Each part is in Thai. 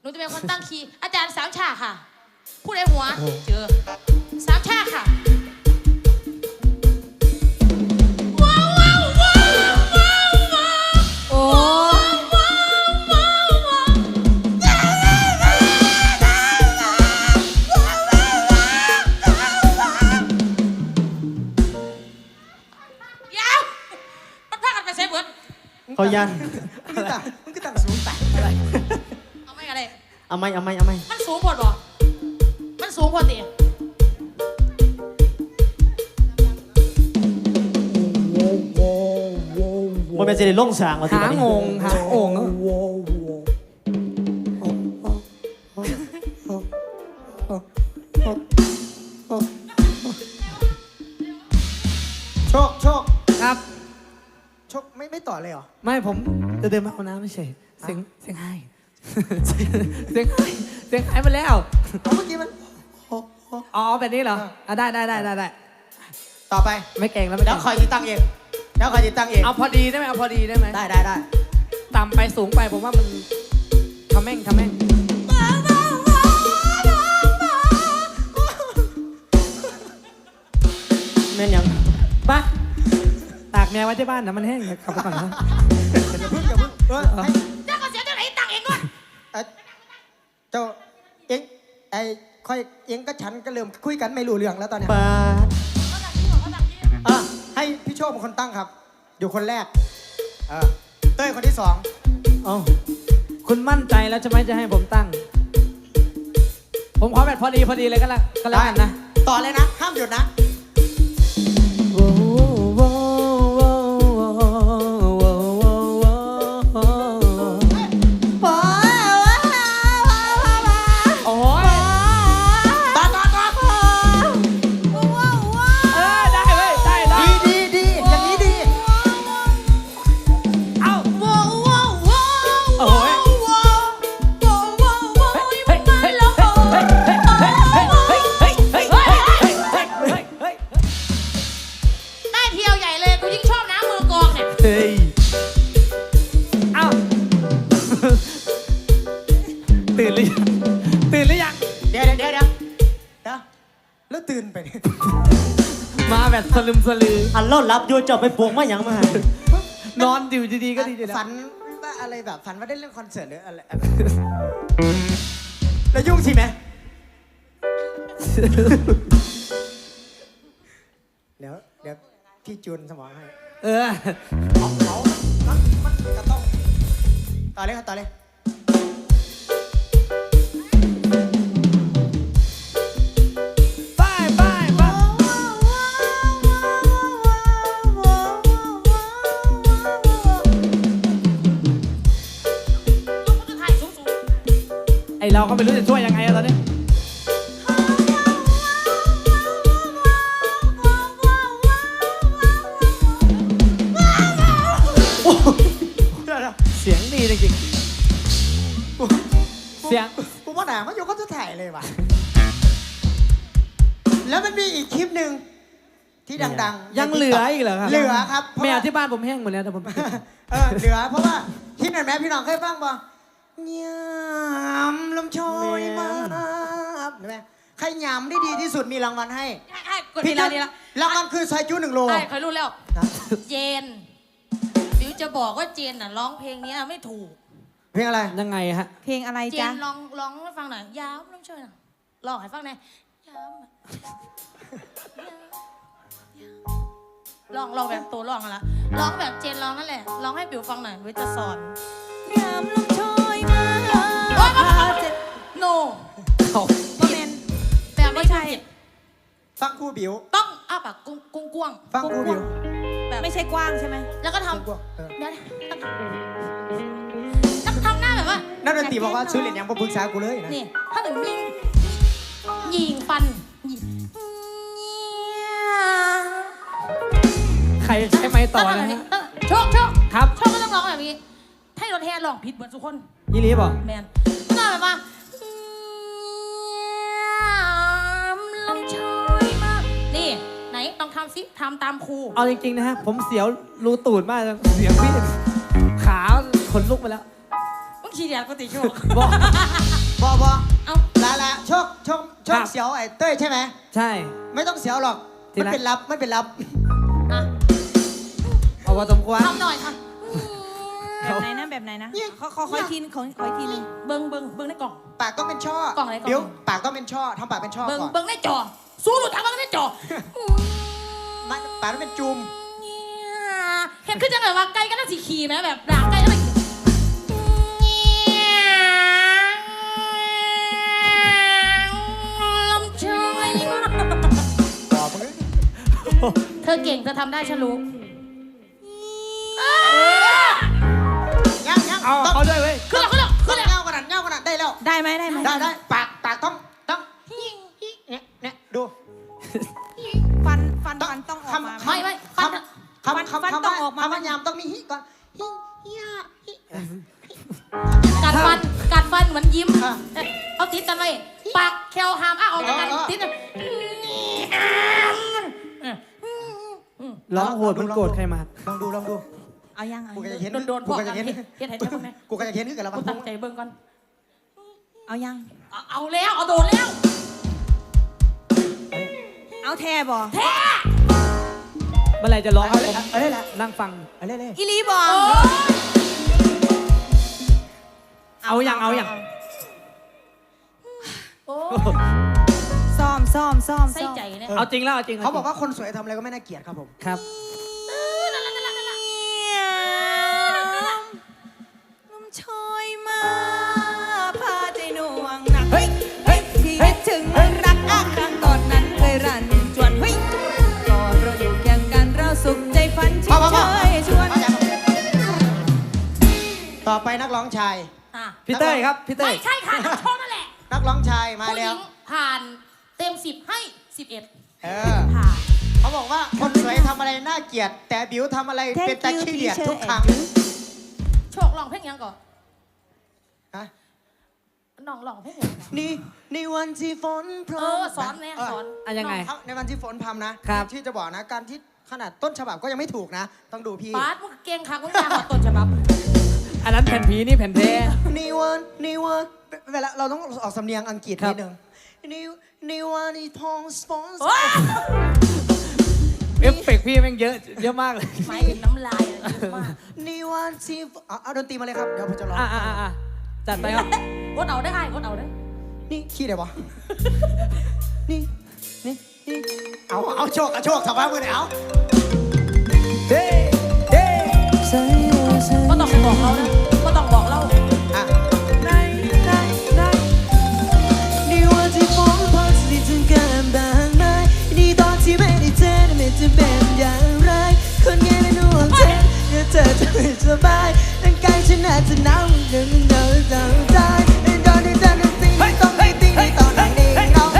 นูจะเป็นคนตั้งคีย์อาจารย์สามฉากค่ะพูดในหัวเจอสามฉากค่ะว้าวว้าวว้าวว้าวว้าวโอ้เขายันมึงก็ตั้งสูงแต่อะไรเอาไม่อะไรเอาไม่มันสูงพอดบ่มันสูงพอตีมันเป็นสิริล่งสางหางงโชคครับโชคไม่ต่อเลยเหรอไม่ผมจะเดินมาเอาน้ำไม่ใช่เสียงไห้เสียงไห้มาแล้วเมื่อกี้มันอ๋อแบบนี้เหรอได้ต่อไปไม่เก่งแล้วแล้วคอยติดตั้งเองเอาพอดีได้ไหมได้ต่ำไปสูงไปผมว่ามันทำแม่งแม่นยังปะตากแมวไว้ที่บ้านนะมันแห้งขับไปก่อนนะอย่าพึ่งเจ้าก็เสียเจ้าไหนตังเองด้วยเจ้าเองค่อยเองก็ฉันก็เริ่มคุยกันไม่รู้เรื่องแล้วตอนนี้ให้พี่โชคเป็นคนตั้งครับอยู่คนแรกเต้ยคนที่2อ๋อคุณมั่นใจแล้วจะไม่จะให้ผมตั้งผมขอแบบพอดีเลยก็แล้วกันนะต่อเลยนะห้ามหยุดนะตื่นหรือยังเดี๋ยวแล้วตื่นไปมาแบบสลึมสลืออันเล่ารับโยจบไปปวงมาอย่างมานอนอยู่ดีๆก็ดีฝันว่าอะไรแบบฝันว่าได้เล่นคอนเสิร์ตหรืออะไรแล้วยุ่งใช่ไหมเดี๋ยวพี่จูนสมองให้เขามันจะต้องต่อเลยเราก็ไม่รู้จะช่วยยังไงตอนนี้เสียงดีจริงๆเสียงกูว่าหนามันโยก็จะถ่ายเลยว่ะแล้วมันมีอีกคลิปหนึ่งที่ดังๆยังเหลืออีกเหรอครับเหลือครับแมวที่บ้านผมแห้งหมดแล้วแต่ผมเหลือเพราะว่าคลิปนั้นแม่พี่น้องเคยฟังป่ะยำลมโชยมาเห็นไหมใครยำได้ดีที่สุดมีรางวัลให้พี่รางวัลคือซอยจู1 โลใครรู้แล้วเจนบิวจะบอกว่าเจนน่ะร้องเพลงนี้ไม่ถูกเพลงอะไรยังไงฮะเพลงอะไรจ๊ะเจนร้องให้ฟังหน่อยยำลมโชยร้องให้ฟังหน่อยร้องแบบตัวร้องอะไรร้องแบบเจนร้องนั่นแหละร้องให้บิวฟังหน่อยบิวจะสอนยามลมโชยมาโนก็เป็นแบบไม่ใช่ฟังครูบิวต้องอ้าปากกว้างฟังครูบิวแบบไม่ใช่กว้างใช่ไหมแล้วก็ทำเดี๋ยวทำหน้าแบบว่านักดนตรีบอกว่าซื้อเหรียญยังมาปรึกษากูเลยนะนี่ถ้าถึงยิงฟันใครใช้ไม้ต่อนะฮะโชคครับโชคก็ต้องร้องแบบนี้ให้รถแห่ร้องผิดเหมือนทุกคนยี่ลีบอกแมนก็แบบว่าลมชอยมานี่ไหนต้องทำซิทำตามครูเอาจริงๆนะฮะผมเสียวรูตูดมากเสียงพี่ขาขนลุกไปแล้วมึงขี้เดียดก็ติโชคบอเอาละโชคเสียวไอ้เต้ยใช่ไหมใช่ไม่ต้องเสียวหรอกที่มันรักเป็นลับมันเป็นลับอ่ะเอาพอสมควรทำหน่อยค่ะแบบไหนนะแบบไหนนะขออีกทีนึงขออีกทีนึงเบิ้งในกล่องปากต้องเป็นช่อกล่องอะไรกล่องเดี๋ยวปากต้องเป็นช่อทำปากเป็นช่อเบิ้งก่อนเบิ้งในจอ สู้หลุดทางเบิ้งในจอไม่ปากต้องเป็นจุ่มเห็นขึ้นจังเลยว่าไก่ก็น่าสีขี่ไหมแบบด่าไก่ก็น่าลำชอยบอกมึงเธอเก่งเธอทำได้ฉันรู้ยังเอาต้องเขาด้วยเว้ยขึ้นแล้วต้องเงากระดาษได้แล้วได้ไหมได้ปากต้องเนี่ยดูฟันต้องออกมาไหมไม่คำฟันต้องออกมาคำว่ายามต้องมีฮิก่อนฮิกัดฟันเหมือนยิ้มเอาติดกันไว้ปากแควหามออกจากกันติดกันร้องโหดมันโกรธใครมาลองดูเอายังกูก็จะเห็นโดนพกูวกก็กัจะนเห็นเฮ็ดให้ได้พวกนี้กูก็จะเห็นขึ้นกันแล้วกูมันตั้งใจเบิ่งก่อนเอายังเอาแล้วเอาโดนแล้วเอาแทบ่แท้เมื่อไหรจะร้องครับผมเอาเลยแหละนั่งฟังเอาเลยอีลีบ่เอาอย่างโอ้ซ้อมใส่ใจเนี่ยเอาจริงแล้วเอาจริงเขาบอกว่าคนสวยทำอะไรก็ไม่น่าเกลียดครับผมครับลมชอยมาพาใจหน่วงหนักที่คิดถึงรักครั้งตอนนั้นเคยรันจวนก่อนเราอยู่เคียงกันเราสุขใจฝันชิดเชยชวนต่อไปนักร้องชายพี่เต้ยครับ พี่เต้ไม่ยใช่ค่ะนักโชว์นั่นแหละนักร้องชายมาผู้หแล้ญิวงผ่านเต็ม10ให้11 เออเขาบอกว่าคนสวยทำอะไรน่าเกลียด แต่บิวทำอะไรเป็นตะขี้เดียดทุกครั้งโชคลองเพลงยังก่อนฮะน้องลองเพลงยังก่อนในวันที่ฝนพรสอนเนี่ยสอนยังไงในวันที่ฝนพรำนะครับ ที่จะบอกนะการที่ขนาดต้นฉบับก็ยังไม่ถูกนะ ต้องดูพี่ปาดมึงเก่งค่ะมึงอยากมาต้นฉบับอันนั้นแผ่นผีนี่แผ่นเทในวันเวลาเราต้องออกสำเนียงอังกฤษครันิบดนึงในวันที่พองสปอนโอ้ยเอฟเฟกต์พี่แม่งเยอะมากเลยไม่เป็นน้ำลายอะเยอะมากในวันที่เอาดนตรีมาเลยครับ เดี๋ยวผมจะร้องจัดไปครับกดเอาได้กดเอาได้นี่ขี้ได้ปะนี่เอาโชคทำบ้ามือไหนเอาก็ต้องไปบอกเรานะก็ต้องบอกเราอ่ะนี่วันที่ฝนพรำที่ถึงกันบางไหมนี่ตอนที่ไม่ได้เจอไม่จะเป็นอย่างไรคนไงไม่รู้ว่าเจ็บเดี๋ยวเธอจะไม่สบายร่างกายฉันอาจจะหนาวเดี๋ยวมันหนาวใจตอนที่เธอนั้นตีต้องไม่ตีตอนนั้นนี่น้อง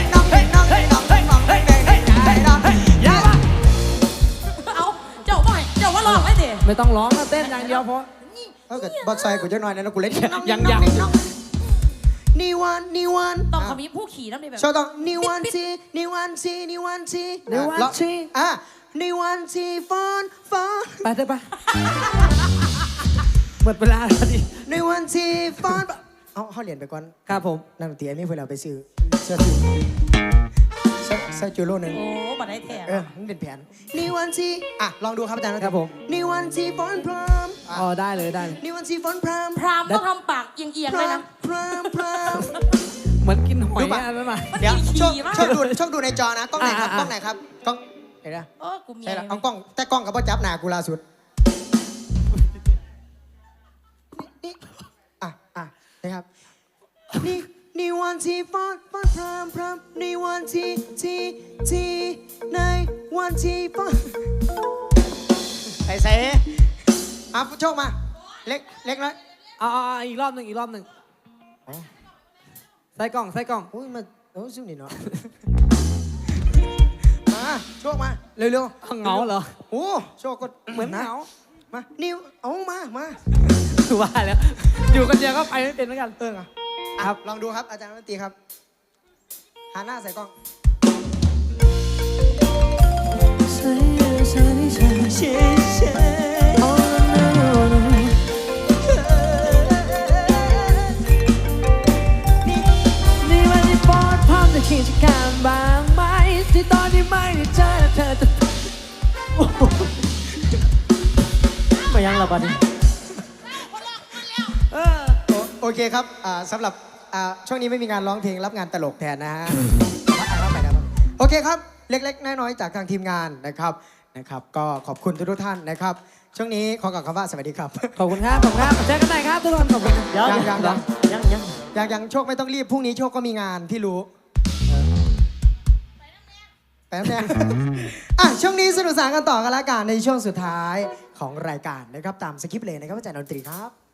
เอาเจ้าว่าหลอกไม่ดิไม่ต้องร้องนะเต้นอย่างเดียวเพราะถ้าเกิดบอสไซกูจะหน่อยนะกูเล่นยังนี่วันต้องเขามีผู้ขี่น้ำในแบบโชว์ต้องนี่วันที่ในวันที่ฝนไปเถอะไปหมดเวลาแล้วดิในวันที่ฝนเอาเหรียญไปก่อนครับผมนั่งเตี๋ยนี่เพื่อเราไปซื้อเสื้อจูโร่หนึ่งโอ้บัดได้แถมมันเป็นแผนนี่วันที่ลองดูครับอาจารย์ครับผมนี่วันที่ฝนพรำอ๋อได้เลยนี่วันที่ฝนพรำพรามต้องทำปากเอียงๆเลยนะพรำเหมือนกินหอยดูป่ะอันนั้นมาเดี๋ยวขี่มากชอบดูในจอนะกล้องไหนครับกล้องไหนครับกล้องเห็นไหมโอ้กูมีใช่แล้วเอากล้องแต่กล้องกับพ่อจับหนากูล่าสุดนี่นะครับนี่วันที่ฝนพรำนี่วันที่ในวันที่ฝนไอ้เซ่โชคมาเล็กน้อยเอาอีกรอบหนึ่งใส่กล่องอุ้ยมาซึ่งนี่เนาะมาโชคมาเร็วเหงาเหรอโอ้โชคก็เหมือนเหงามานิวเอามาว่าแล้วอยู่กันเดียวก็ไปไม่เป็นเหมือนกันครับลองดูครับอาจารย์ดนตรีครับหันหน้าใส่กล้องเคิดจะการบ้างไหมที่ตอนที่ไม่ได้เจอเธอจะมายังละบัดนี้โอเคครับสำหรับช่วงนี้ไม่มีงานร้องเพลงรับงานตลกแทนนะฮะรับไปนะครับโอเคครับเล็กๆน้อยๆจากทางทีมงานนะครับก็ขอบคุณทุกท่านนะครับช่วงนี้ขอกล่าวคำว่าสวัสดีครับขอบคุณครับขอบคุณครับเจอกันใหม่ครับทุกคนขอบคุณเดี๋ยวยังโชคไม่ต้องรีบพรุ่งนี้โชคก็มีงานพี่รู้ไปน้ำแน่ช่วงนี้สนุกสนานกันต่อกันละกันในช่วงสุดท้ายของรายการนะครับตามสคริปต์เลยนะครับอาจารย์ดนตรีครับ